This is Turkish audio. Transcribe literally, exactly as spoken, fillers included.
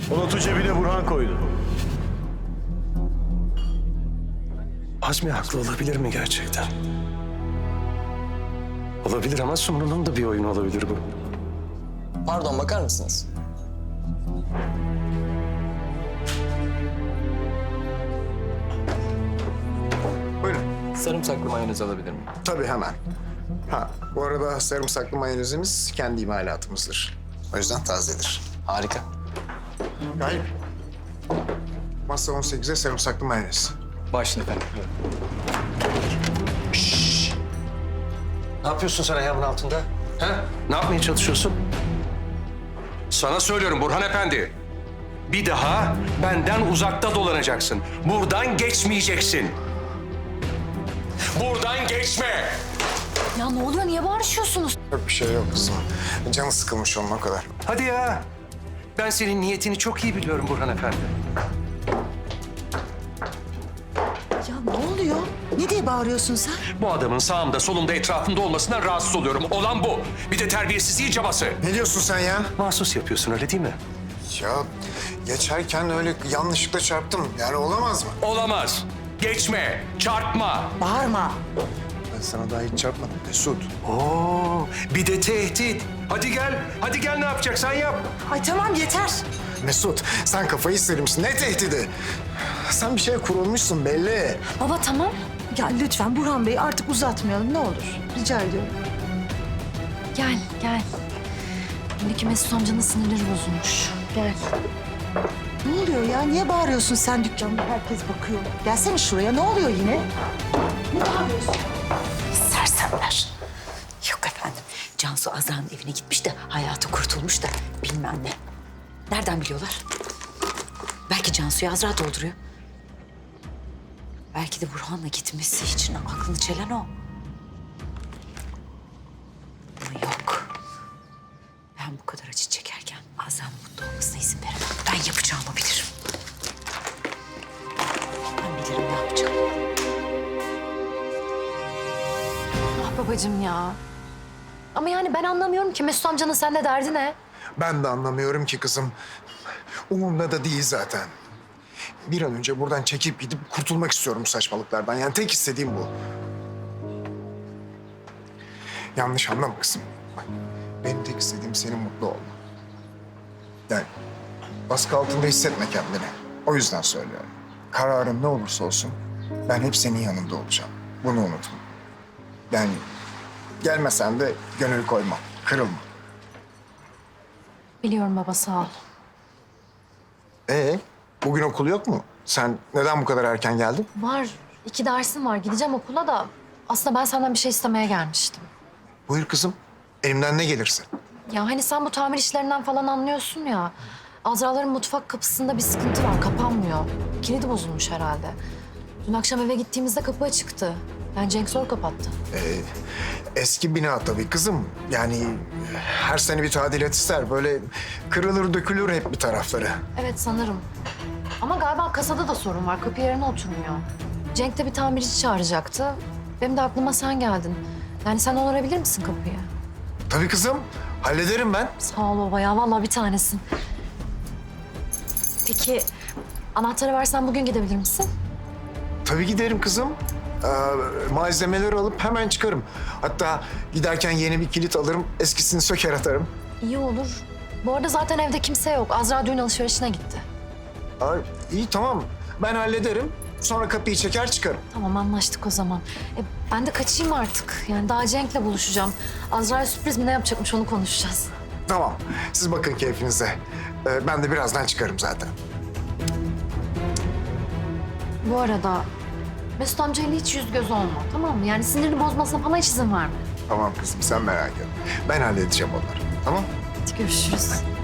O notu cebine Burhan koydu. Azmi haklı olabilir mi gerçekten? Olabilir ama Sumru'nun da bir oyunu olabilir bu. Pardon, bakar mısınız? Buyurun. Sarımsaklı mayonez alabilir miyim? Tabii hemen. Ha, bu arada sarımsaklı mayonezimiz kendi imalatımızdır. O yüzden tazedir. Harika. Gayip. Masa on sekize sarımsaklı mayonez. Başla efendim. Ne yapıyorsun sen ayağımın altında? Ha? Ne yapmaya çalışıyorsun? Sana söylüyorum Burhan Efendi. Bir daha benden uzakta dolanacaksın. Buradan geçmeyeceksin. Buradan geçme. Ya ne oluyor? Niye bağırışıyorsunuz? Yok bir şey yok kızım. Canı sıkılmış onun o kadar. Hadi ya. Ben senin niyetini çok iyi biliyorum Burhan Efendi. Ya ne oluyor? Ne diye bağırıyorsun sen? Bu adamın sağımda solumda etrafımda olmasından rahatsız oluyorum. Olan bu. Bir de terbiyesizliği cabası. Ne diyorsun sen ya? Mahsus yapıyorsun öyle değil mi? Ya geçerken öyle yanlışlıkla çarptım. Yani olamaz mı? Olamaz. Geçme, çarpma. Bağırma. Ben sana daha hiç çarpmadım Mesut. Oo, bir de tehdit. Hadi gel, hadi gel ne yapacaksan yap. Ay tamam yeter. Mesut sen kafayı sıyırmışsın. Ne tehdidi? Sen bir şeye kurulmuşsun belli. Baba tamam. Ya lütfen Burhan Bey artık uzatmayalım ne olur. Rica ediyorum. Gel gel. Buradaki Mesut amcanın sinirleri bozulmuş. Gel. Ne oluyor ya? Niye bağırıyorsun sen dükkanda? Herkes bakıyor. Gelsene şuraya. Ne oluyor yine? Ne bağırıyorsun? Sersemler. Yok efendim. Cansu Azra'nın evine gitmiş de hayatı kurtulmuş da bilmem ne. Nereden biliyorlar? Belki Cansu'yu Azra dolduruyor. Belki de Burhan'la gitmesi için aklını çelen o. Ama yok. Ben bu kadar acı çekerken Azra'nın mutlu olmasına izin veremem. Ben yapacağımı bilirim. Ben bilirim ne yapacağım. Ah babacığım ya. Ama yani ben anlamıyorum ki Mesut amcanın seninle derdi ne? Ben de anlamıyorum ki kızım. Umurumda da değil zaten. Bir an önce buradan çekip gidip kurtulmak istiyorum bu saçmalıklardan. Yani tek istediğim bu. Yanlış anlama kızım. Bak, benim tek istediğim senin mutlu olman. Yani baskı altında hissetme kendini. O yüzden söylüyorum. Kararın ne olursa olsun ben hep senin yanında olacağım. Bunu unutma. Yani gelmesen de gönül koyma, kırılma. Biliyorum baba sağ ol. Ee, bugün okul yok mu? Sen neden bu kadar erken geldin? Var. iki dersim var. Gideceğim okula da. Aslında ben senden bir şey istemeye gelmiştim. Buyur kızım. Elimden ne gelirse. Ya hani sen bu tamir işlerinden falan anlıyorsun ya. Azraların mutfak kapısında bir sıkıntı var. Kapanmıyor. Kilidi bozulmuş herhalde. Dün akşam eve gittiğimizde kapı açıktı. Yani Cenk zor kapattı. Ee, eski bina tabii kızım. Yani her sene bir tadilat ister. Böyle kırılır dökülür hep bir tarafları. Evet sanırım. Ama galiba kasada da sorun var. Kapı yerine oturmuyor. Cenk de bir tamirci çağıracaktı. Benim de aklıma sen geldin. Yani sen onarabilir misin kapıyı? Tabii kızım. Hallederim ben. Sağ ol baba ya. Vallahi bir tanesin. Peki anahtarı versen bugün gidebilir misin? Tabii giderim kızım. Ee, malzemeleri alıp hemen çıkarım. Hatta giderken yeni bir kilit alırım. Eskisini söker atarım. İyi olur. Bu arada zaten evde kimse yok. Azra düğün alışverişine gitti. Ay, iyi tamam. Ben hallederim. Sonra kapıyı çeker çıkarım. Tamam anlaştık o zaman. E, ben de kaçayım artık. Yani daha Cenk'le buluşacağım. Azra'ya sürpriz mi ne yapacakmış onu konuşacağız. Tamam. Siz bakın keyfinize. Ee, ben de birazdan çıkarım zaten. Bu arada Mesut amcayla hiç yüz göz olma tamam mı? Yani sinirini bozmasına falan hiç izin verme. Tamam kızım sen merak etme. Ben halledeceğim onları. Tamam? Hadi görüşürüz.